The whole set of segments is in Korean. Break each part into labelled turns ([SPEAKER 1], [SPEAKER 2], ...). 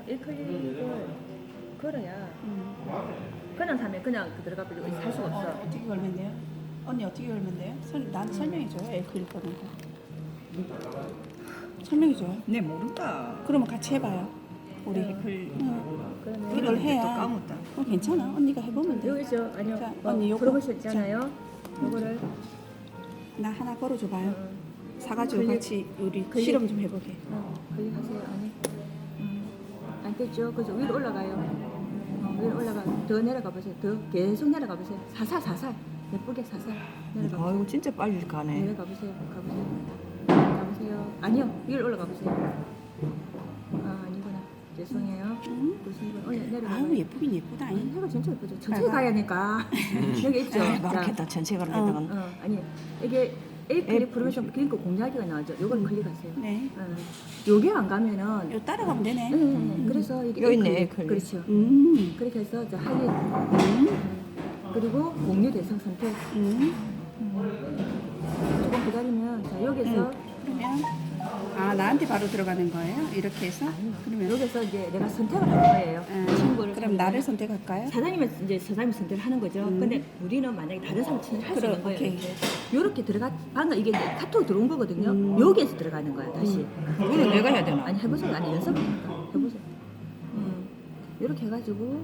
[SPEAKER 1] 1클릭을 걸어야 그냥 사면 그냥 들어가 버리고 살 수가 없어.
[SPEAKER 2] 어떻게 걸면 돼요? 언니 어떻게 걸면 돼요? 나한테 설명해줘요. L클릭 거는 거. 설명해줘요.
[SPEAKER 3] 네 모른다.
[SPEAKER 2] 그러면 같이 해봐요. 우리.
[SPEAKER 1] 그러면
[SPEAKER 2] 이걸
[SPEAKER 3] 또
[SPEAKER 2] 해야.
[SPEAKER 3] 까먹다.
[SPEAKER 2] 괜찮아. 언니가 해보면 돼.
[SPEAKER 1] 여기죠. 아니요.
[SPEAKER 2] 자, 언니 요거.
[SPEAKER 1] 프로모션 있잖아요. 요거를
[SPEAKER 2] 나 하나 걸어줘봐요. 사가지고
[SPEAKER 1] 클릭.
[SPEAKER 2] 같이 우리
[SPEAKER 1] 클릭.
[SPEAKER 2] 실험 좀 해보게.
[SPEAKER 1] 클릭하세요. 아니. 안 됐죠. 그래서 위로 올라가요. 위로 올라가. 더 내려가 보세요. 더 계속 내려가 보세요. 사살. 예쁘게 사살. 내려가 보세요.
[SPEAKER 3] 아이고 진짜 빨리 가네.
[SPEAKER 1] 내려가 보세요. 가보세요. 아니요. 위로 올라가 보세요. 아니구나. 죄송해요. 무슨 분 내려가.
[SPEAKER 2] 아우 예쁘긴 예쁘다.
[SPEAKER 1] 해가 진짜 예쁘죠. 천천히 가야 하니까. 여기 있죠.
[SPEAKER 3] 그렇겠다. 전체 가는 데다가.
[SPEAKER 1] 아니 이게 A 클릭 프로모션 그러니까 공략이가 나오죠. 요걸 클릭하세요.
[SPEAKER 2] 네.
[SPEAKER 1] 요게 안 가면은
[SPEAKER 2] 요 따라가면 되네.
[SPEAKER 1] 그래서 이게
[SPEAKER 3] 여기
[SPEAKER 1] A
[SPEAKER 3] 있네,
[SPEAKER 1] 클릭.
[SPEAKER 3] 클릭.
[SPEAKER 1] 그렇죠. 그렇게 해서 이제 하이 그리고 공유 대상 선택. 조금 기다리면 자 여기서
[SPEAKER 2] 그러면 나한테 바로 들어가는 거예요? 이렇게 해서? 그러면
[SPEAKER 1] 여기서 이제 내가 선택을 할 거예요. 친구를
[SPEAKER 2] 그럼 나를 선택할까요?
[SPEAKER 1] 사장님은 이제 사장님 선택을 하는 거죠. 근데 우리는 만약에 다른 사람 선택을 할 수 있는 거예요.
[SPEAKER 2] 오케이.
[SPEAKER 1] 이렇게 들어가 방금 이게 이제 카톡 들어온 거거든요. 여기에서 들어가는 거야 다시.
[SPEAKER 3] 그거는 내가 해야 되나?
[SPEAKER 1] 아니 해보세요. 아니 연습하니까 해보세요. 이렇게 해가지고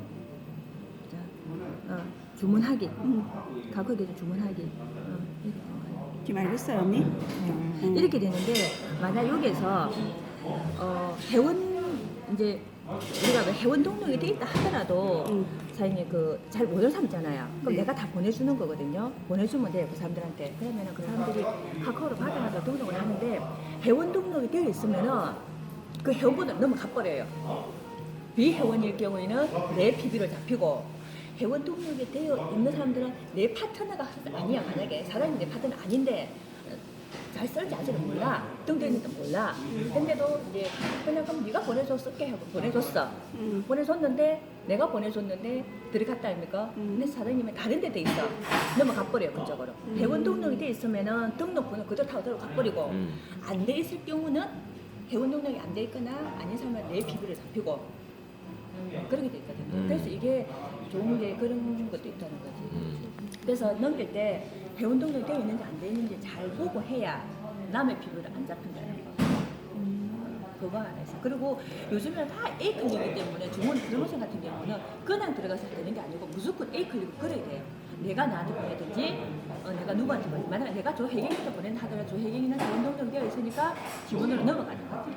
[SPEAKER 1] 자 주문하기. 가격에 주문하기. 이렇게 된 거예요.
[SPEAKER 2] 지금 알겠어요 언니?
[SPEAKER 1] 이렇게 되는데 만약 여기에서 회원 이제 우리가 왜 회원 등록이 돼 있다 하더라도 사장님 그 잘 모르는 사람 있잖아요. 그럼
[SPEAKER 2] 네.
[SPEAKER 1] 내가 다 보내주는 거거든요. 보내주면 돼요 그 사람들한테. 그러면은 그 사람들이 카카오로 받아가지고 등록을 하는데 회원 등록이 되어 있으면은 그 회원번호를 넘어가 버려요. 비회원일 경우에는 내 PB를 잡히고 회원 등록이 되어 있는 사람들은 내 파트너가 아니야. 만약에 사장님이 내 파트너 아닌데 잘 쓸지 아직은 몰라. 등록했는지 몰라. 근데도 이제 그냥 그럼 네가 보내줘 쓸게 하고 보내줬어. 보내줬는데 내가 보내줬는데 들어갔다 아닙니까? 근데 사장님이 다른 데 돼 있어. 넘어가 버려요 그쪽으로. 회원 등록이 돼 있으면은 등록번호 그대로 타고 들어가 버리고 안 돼 있을 경우는 회원 등록이 안 돼 있거나 아닌 사람은 내 비비를 잡히고 그렇게 돼 있거든요. 그래서 이게 좋은 게 그런 것도 있다는 거지. 그래서 넘길 때 회원 등록이 되어 있는지 안 되어 있는지 잘 보고 해야 남의 피부를 안 잡힌다는 거. 그거 하나 있어. 그리고 요즘은 다 A 클릭이기 때문에 주문 프로모션 같은 경우는 그냥 들어가서 되는 게 아니고 무조건 A 클릭을 걸어야 돼요. 내가 나한테 보내든지 내가 누구한테 보내. 만약에 내가 저 혜경이한테 보낸다 하더라도 저 혜경이는 회원 등록이 되어 있으니까 직원으로 넘어가는 거지.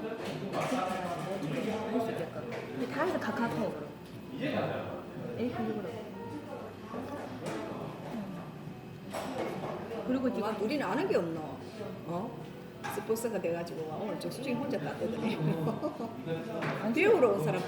[SPEAKER 1] 할 수 있게끔. 다 해서 카카오톡으로. A 클릭으로. 그리고 지금
[SPEAKER 3] 우리는 아는 게 없노. 스포츠가 돼가지고 오늘 저 수정이 혼자 따뜻하네. 배우러 온 사람